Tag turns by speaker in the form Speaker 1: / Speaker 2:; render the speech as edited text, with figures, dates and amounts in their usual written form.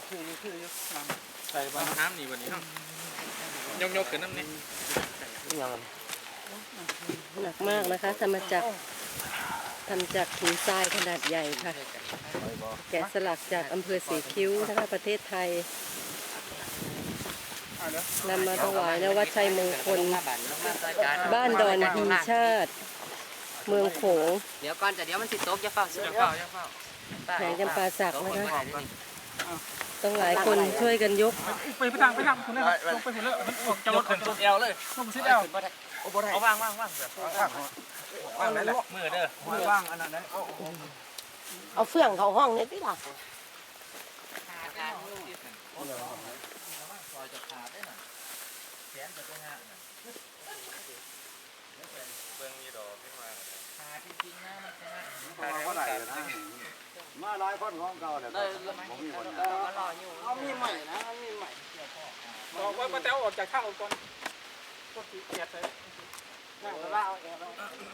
Speaker 1: คือ
Speaker 2: ใส่บ้างน้ำนี่วันนี้ครับยกขึ้นน้ำนี่
Speaker 3: ยัง
Speaker 4: หนักมากนะคะทำจากหินทรายขนาดใหญ่ค่ะแกะสลักจากอำเภอสีคิ้วนะคะประเทศไทยนำมาถวายณวัดชัยมงคลบ้านดอนฮีชาติเมืองโขง
Speaker 3: เดี๋ยวก่อนแต่เดี๋ยวมันสิตกจะเฝ้า
Speaker 4: แห่งจำปาสักนะคะต้องหลายคนช่วยกันยก
Speaker 1: ไปทางคนนั้นลงไปคนละจะลดขึ้นสุดเอวเลยลงสุดเอวเอาว่างเลยมือเด้อมือว่างอันนั้นเลย
Speaker 4: เอาเฟื่องเขาห้องนี่พี่ล่ะ
Speaker 5: มาหลายคนของเก่าเนี่ยผมมีคน
Speaker 4: เอามีใหม่นะมีใหม่
Speaker 1: บอกว่าป้าแต้วออกจากข้าวก่อนก็ตีเกียดเลย